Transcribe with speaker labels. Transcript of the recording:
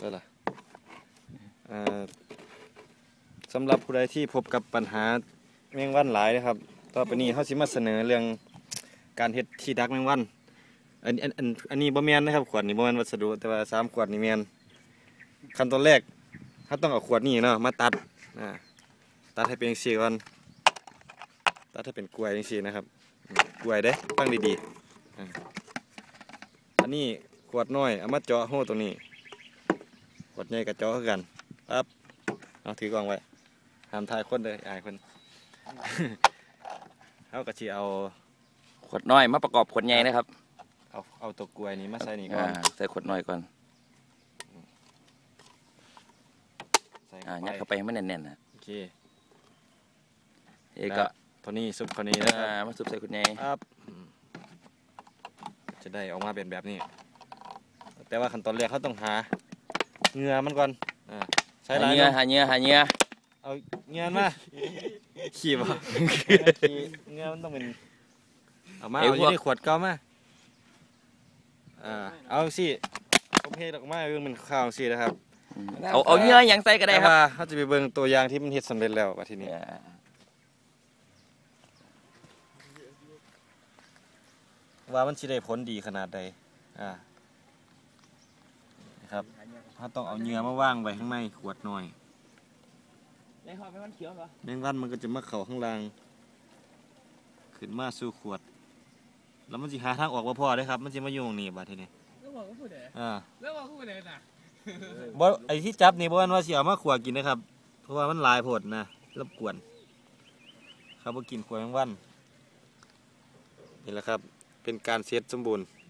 Speaker 1: ได้ล่ะสำหรับผู้ใดที่พบกับปัญหาแมงวันหลายนะครับต่อไปนี้เขาสิมาเสนอเรื่องการเฮ็ดที่ดักแมงวันอันนี้บ่แม่นนะครับขวดนี้บ่แม่นวัสดุแต่ว่า3ขวดนี่แม่นขั้นตอนแรกเขาต้องเอาขวดนี้เนาะมาตัดตัดให้เป็นจังซี่ก่อนตัดให้เป็นกล้วยจังซี่นะครับกล้วยเด้ฟังดีๆอันนี้ขวดน้อยเอามาเจาะหูตรงนี้ขวดใหญ่กับเจาะคือกันปั๊บเอาถือกล้องไว้ห้ามถ่ายคนเลยอายคน เขาก็สิเอา
Speaker 2: ขวดน้อยมาประกอบขวดใหญ่นะครับ
Speaker 1: เอาตัวกล้วยนี้มาใส่นี่ก่อน
Speaker 2: ใส่ขวดน้อยก่อนยัดเข้าไปให้มันแน่นๆนะ
Speaker 1: โอเค
Speaker 2: ก็
Speaker 1: ตัวนี้ซุปตัวนี้นะครับ
Speaker 2: มาซุปใส่ขวดใหญ่
Speaker 1: ครับจะได้ออกมาเป็นแบบนี้แต่ว่าขั้นตอนแรกเขาต้องหาเหงื่อมันก่อน
Speaker 2: ใช้หาเหงื่อเอาเห
Speaker 1: งื่อมาขี่บ่เหงื่อมันต้องเป็นเอามาเอาอยู่ในขวดเก่ามาเอาสิผมเทออกมาเบิ่งมันข้าวสินะครับ
Speaker 2: เอาเหงื่ออย่างใส่ก็ได้ครับ
Speaker 1: เขาจะไปเบิ่งตัวอย่างที่มันเฮ็ดสำเร็จแล้วว่าทีนี้ว่ามันสิได้ผลดีขนาดใดนะครับเขาต้องเอาเหงื่อมาวางไว้ข้างในขวดหน่อย
Speaker 2: ในห่อแมงวันเขียวเหรอ
Speaker 1: แมงวันมันก็จะมาเข้าข้างล่างขึ้นมาสู่ขวดแล้วมันสิหาทางออกบ่พอได้ครับมันสิมาอยู่ตรงนี้บัดทีนี้
Speaker 3: แล้วบอกว่าพูดอะไรแล้วบอกว่าพูดอะไรน่ะ
Speaker 1: บ่ไอ้ที่จับนี่บ่ว่าสิเอามาขัวกินนะครับเพราะว่ามันหลายโพดนะรบกวนครับบ่กินขวดแมงวันนี่แหละครับเป็นการเซตสมบูรณ์